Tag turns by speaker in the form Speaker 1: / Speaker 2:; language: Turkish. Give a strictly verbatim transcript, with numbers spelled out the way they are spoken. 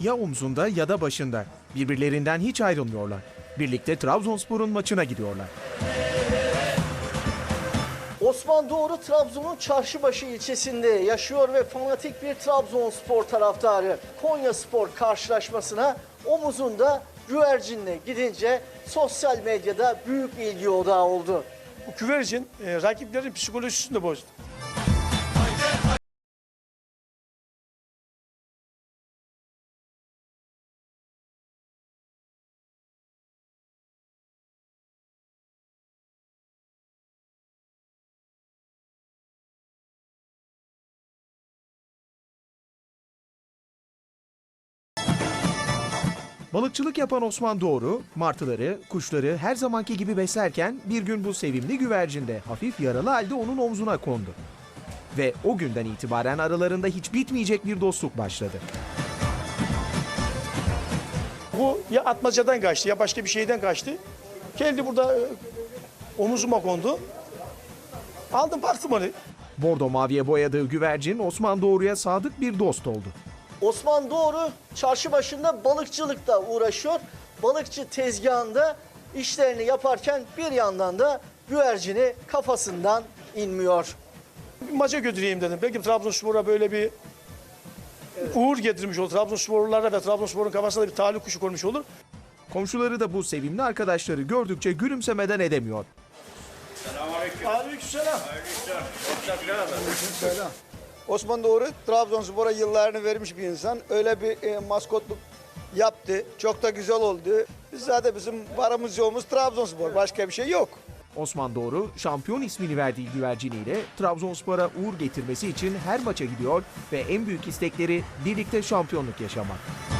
Speaker 1: ya omzunda ya da başında. Birbirlerinden hiç ayrılmıyorlar. Birlikte Trabzonspor'un maçına gidiyorlar.
Speaker 2: Osman Doğru Trabzon'un Çarşıbaşı ilçesinde yaşıyor ve fanatik bir Trabzonspor taraftarı. Konyaspor karşılaşmasına omuzunda güvercinle gidince sosyal medyada büyük ilgi odağı oldu.
Speaker 3: Bu güvercin e, rakiplerin psikolojisini de bozdu.
Speaker 1: Balıkçılık yapan Osman Doğru, martıları, kuşları her zamanki gibi beslerken bir gün bu sevimli güvercin de hafif yaralı halde onun omzuna kondu. Ve o günden itibaren aralarında hiç bitmeyecek bir dostluk başladı.
Speaker 3: Bu ya atmacadan kaçtı ya başka bir şeyden kaçtı. Geldi burada e, omuzuma kondu. Aldım baktım onu.
Speaker 1: Bordo maviye boyadığı güvercin Osman Doğru'ya sadık bir dost oldu.
Speaker 2: Osman Doğru Çarşıbaşı'nda balıkçılıkla uğraşıyor. Balıkçı tezgahında işlerini yaparken bir yandan da güvercini kafasından inmiyor.
Speaker 3: Bir maça götüreyim dedim. Belki Trabzonspor'a böyle bir uğur getirmiş olur. Trabzonsporlulara ve Trabzonspor'un kafasına da bir talih kuşu konmuş olur.
Speaker 1: Komşuları da bu sevimli arkadaşları gördükçe gülümsemeden edemiyor.
Speaker 3: Aleykümselam.
Speaker 4: Osman Doğru Trabzonspor'a yıllarını vermiş bir insan. Öyle bir e, maskotluk yaptı. Çok da güzel oldu. Biz zaten bizim varımız yoğumuz Trabzonspor. Başka bir şey yok.
Speaker 1: Osman Doğru, şampiyon ismini verdiği güverciniyle Trabzonspor'a uğur getirmesi için her maça gidiyor ve en büyük istekleri birlikte şampiyonluk yaşamak.